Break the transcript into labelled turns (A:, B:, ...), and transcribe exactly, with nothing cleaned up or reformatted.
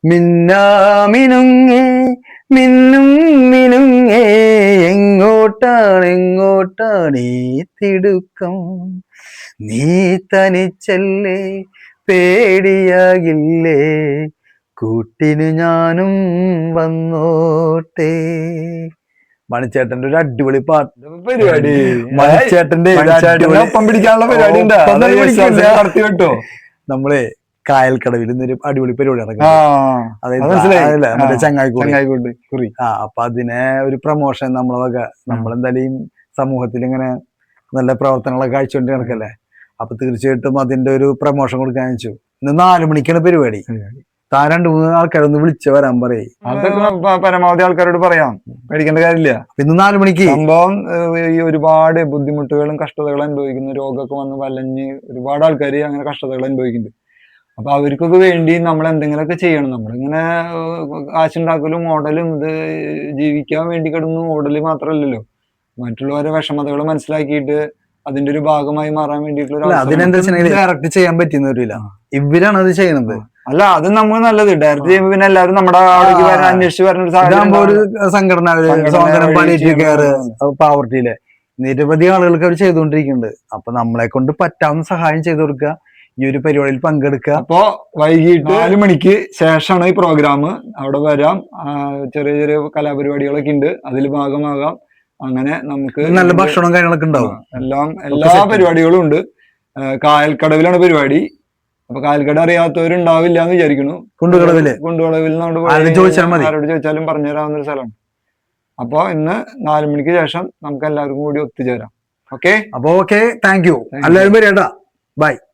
A: മിന്നാമിനുങ്ങേ മിന്നും മിനുങ്ങേ എങ്ങോട്ടാണ് എങ്ങോട്ടാണ് ഈ തിടുക്കം നീ തനിച്ചല്ലേ പേടിയാകില്ലേ കൂട്ടിന് ഞാനും വന്നോട്ടെ. മണിച്ചേട്ടന്റെ ഒരു അടിപൊളി പാട്ട്
B: പരിപാടി.
A: മണിച്ചേട്ടന്റെ
B: ഒപ്പം പിടിക്കാനുള്ള പരിപാടി നടത്തി കേട്ടോ.
A: നമ്മള് കായൽക്കടവിൽ ഇന്നൊരു അടിപൊളി പരിപാടി നടക്കും.
B: മനസ്സിലായി,
A: ചങ്ങായിക്കൂട് കുറി. ആ അപ്പൊ അതിനെ ഒരു പ്രൊമോഷൻ നമ്മളെ വക നമ്മളെന്തായാലും സമൂഹത്തിൽ ഇങ്ങനെ നല്ല പ്രവർത്തനങ്ങളൊക്കെ കാഴ്ചകൊണ്ട് നടക്കല്ലേ. അപ്പൊ തീർച്ചയായിട്ടും അതിന്റെ ഒരു പ്രൊമോഷൻ കൊടുക്കാൻ വെച്ചു. ഇന്ന് നാലു മണിക്കാണ് പരിപാടി. താൻ രണ്ടു മൂന്ന് ആൾക്കാരൊന്ന് വിളിച്ചു വരാൻ പറയും.
B: അതൊക്കെ പരമാവധി ആൾക്കാരോട് പറയാം, പേടിക്കേണ്ട കാര്യമില്ല.
A: ഇന്ന് നാലു മണിക്ക്
B: സംഭവം ഈ ഒരുപാട് ബുദ്ധിമുട്ടുകളും കഷ്ടതകളും അനുഭവിക്കുന്ന രോഗമൊക്കെ വന്ന് വലഞ്ഞ് ഒരുപാട് ആൾക്കാർ അങ്ങനെ കഷ്ടതകൾ അനുഭവിക്കുന്നുണ്ട്. അപ്പൊ അവർക്കൊക്കെ വേണ്ടി നമ്മൾ എന്തെങ്കിലുമൊക്കെ ചെയ്യണം. നമ്മളിങ്ങനെ കാശുണ്ടാക്കലും ഓടലും ഇത് ജീവിക്കാൻ വേണ്ടി കിടന്ന് ഓടല് മാത്രമല്ലല്ലോ, മറ്റുള്ളവരെ വിഷമതകൾ മനസ്സിലാക്കിയിട്ട് അതിന്റെ ഒരു ഭാഗമായി മാറാൻ വേണ്ടിയിട്ടുള്ള
A: അതിനെന്താ ഡയറക്റ്റ് ചെയ്യാൻ പറ്റുന്ന വരില്ല. ഇവരാണ് അത് ചെയ്യുന്നത്.
B: അല്ല, അത് നമ്മൾ നല്ലത് ഡയറക്റ്റ് ചെയ്യുമ്പോൾ പിന്നെ എല്ലാവരും നമ്മുടെ അവിടേക്ക് വരാൻ അന്വേഷിച്ച് വരുന്ന
A: ഒരു സംഘടന പാവർട്ടിയിലെ നിരവധി ആളുകൾക്ക് അവർ ചെയ്തുകൊണ്ടിരിക്കുന്നുണ്ട്. അപ്പൊ നമ്മളെ കൊണ്ട് പറ്റാവുന്ന സഹായം ചെയ്തു കൊടുക്കുക, ഈ ഒരു പരിപാടിയിൽ പങ്കെടുക്കുക.
B: അപ്പോ വൈകിട്ട് നാല് മണിക്ക് ശേഷമാണ് ഈ പ്രോഗ്രാം. അവിടെ വരാം, ചെറിയ ചെറിയ കലാപരിപാടികളൊക്കെ ഉണ്ട്, അതിൽ ഭാഗമാകാം. അങ്ങനെ നമുക്ക്
A: നല്ല ഭക്ഷണവും കാര്യങ്ങളൊക്കെ ഉണ്ടാവും.
B: എല്ലാം എല്ലാ പരിപാടികളും ഉണ്ട്. കായൽക്കടവിലാണ് പരിപാടി. അപ്പൊ കായൽക്കട അറിയാത്തവരുണ്ടാവില്ല എന്ന് വിചാരിക്കുന്നു.
A: കുണ്ടുകളവില്
B: കുണ്ടുകളവിൽ
A: ആരോട്
B: ചോദിച്ചാലും പറഞ്ഞു തരാവുന്ന ഒരു സ്ഥലമാണ്. അപ്പൊ ഇന്ന് നാലു മണിക്ക് ശേഷം നമുക്ക് എല്ലാവർക്കും കൂടി ഒത്തുചേരാം. ഓക്കെ,
A: അപ്പൊ ഓക്കെ, താങ്ക് യു. എല്ലാവരും വരേട്ടാ, ബൈ.